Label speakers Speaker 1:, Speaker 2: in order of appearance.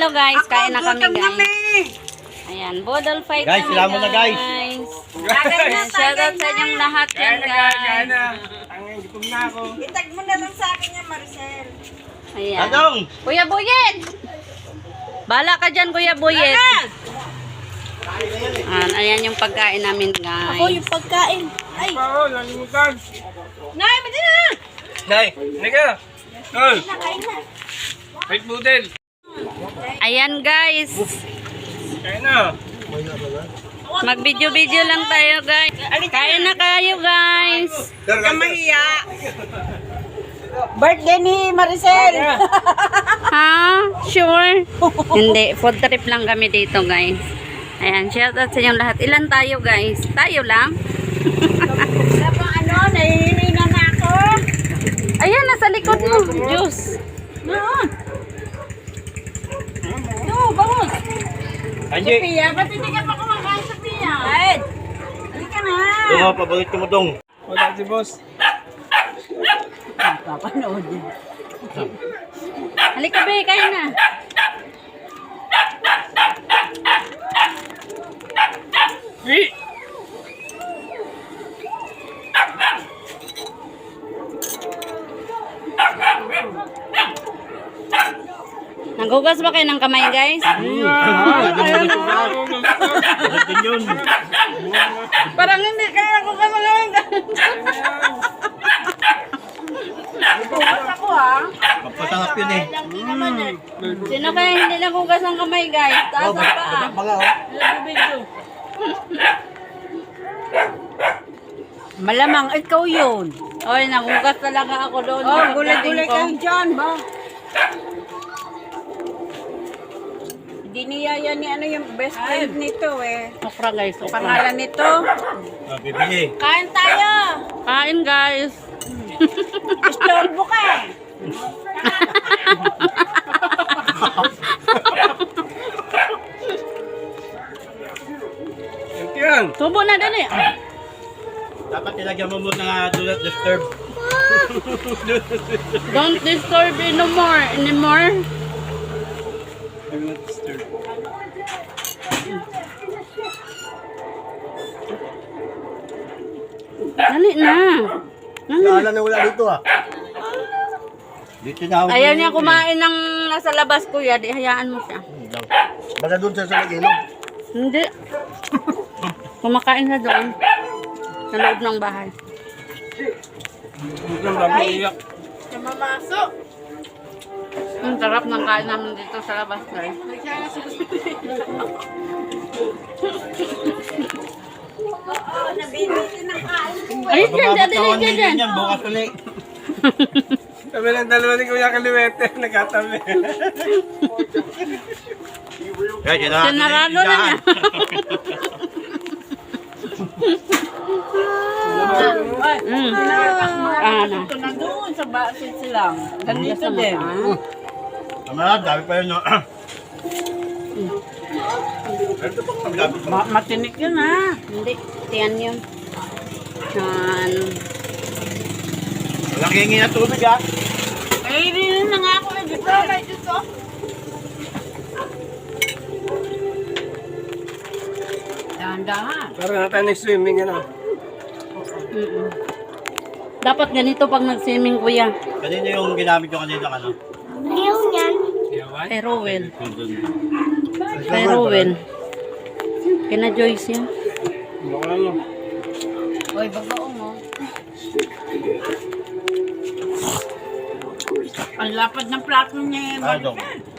Speaker 1: tayo guys. Kain na kami guys. Ayan, Bodol fight
Speaker 2: Guys,
Speaker 1: kami
Speaker 2: sila mo na, guys.
Speaker 1: Shoutout sa inyong lahat yan guys.
Speaker 3: Ang gutom na ako.
Speaker 4: Itag mo na lang sa akin yan, Maricel.
Speaker 1: Ayan.
Speaker 2: Tanong!
Speaker 1: Kuya Buyet! Bala ka dyan, Kuya Buyet. Ayan yung pagkain namin guys.
Speaker 4: Ako yung pagkain. Ay,
Speaker 3: Oo, nalimutan.
Speaker 4: Nay, mati na!
Speaker 3: Nay, nega. Tol,
Speaker 4: Nakain na.
Speaker 3: wait budel.
Speaker 1: Ayan guys.
Speaker 3: Kaya na.
Speaker 1: Mag-video-video lang tayo guys. Kain na kayo guys.
Speaker 4: Huwag kang mahiya. Birthday ni Maricel.
Speaker 1: Ha? Sure? Hindi. Food trip lang kami dito guys. Ayan. Shoutout sa inyong lahat. Ilan tayo guys? Tayo lang?
Speaker 4: Wala pang ano, nahihina na ako.
Speaker 1: Ayan. Nasa likod mo. Juice.
Speaker 4: Noon. No, bangus.
Speaker 2: Anji!
Speaker 4: Sophia, ba't hindi ka pa kumakain, Sophia? Ed, halika na.
Speaker 2: Doon, pabalik ko mo dong.
Speaker 3: Wala si boss.
Speaker 4: Papanood din.
Speaker 1: Halika be. Kain na.
Speaker 3: Wait.
Speaker 1: Naghugas ba kayo ng kamay guys?
Speaker 2: Pagdating yun.
Speaker 1: Parang hindi kayo naghugas ng kamay guys.
Speaker 4: Bukas ako ha.
Speaker 2: Magpasangap yun eh.
Speaker 1: Sino kaya hindi naghugas ng kamay guys? Taas ang paa.
Speaker 2: Baga oh.
Speaker 4: Malamang ikaw yun.
Speaker 1: Oy, naghugas talaga ako doon.
Speaker 4: Oh, gulay-gulay kayo dyan ba? Hindi niya yan ni ano yung best friend nito eh.
Speaker 1: Okra guys. Okra.
Speaker 4: Pangalan nito.
Speaker 2: Bibili.
Speaker 4: Kain tayo.
Speaker 1: Kain guys.
Speaker 4: Istorbo ka eh.
Speaker 3: Yan.
Speaker 1: Tubo na dali.
Speaker 2: Dapat ilagyan mo muna nga do not disturb.
Speaker 1: Don't disturb anymore.
Speaker 3: Do not disturb.
Speaker 1: Dali na.
Speaker 2: Kala na wala dito ah. Dito na ako.
Speaker 1: Ayaw niya kumain ng nasa labas kuya. Di hayaan mo siya.
Speaker 2: Baga doon sa ilog.
Speaker 1: Hindi. Kumakain na doon. Sa loob ng bahay.
Speaker 3: Huwag lang babaiyak.
Speaker 4: Namamasok.
Speaker 1: Ang sarap ng kain namin dito sa labas guys.
Speaker 4: Nabibili ng kain.
Speaker 1: Ay, dyan.
Speaker 2: Yan, bukas ulit.
Speaker 3: Kami ng dalawa ni Kuya Kaliwete, nagkatabi.
Speaker 2: Guys, yun
Speaker 1: Sinarado na niya. Ano?
Speaker 4: Ito na doon sa basit silang. Ganito din.
Speaker 2: Tama, dami pa yun. No?
Speaker 4: Matinik yun ha.
Speaker 1: Hindi. Tiyan yun. Yan.
Speaker 2: Walang hingi na tubig ah.
Speaker 4: Ay, rin na nga ako dito. Kay dito. Dahan-dahan.
Speaker 3: Parang natin nag-swimming ano.
Speaker 1: Dapat ganito pag nag-swimming kuya.
Speaker 2: Kanino yung ginamit yung kanina ano?
Speaker 3: Yawan?
Speaker 1: Kay Rowell. Kay Rowell. Kina Joyce yan.
Speaker 3: Baka mo.
Speaker 4: Uy, bagoong mo. Ang lapad ng plato niya.
Speaker 2: Ah, dong.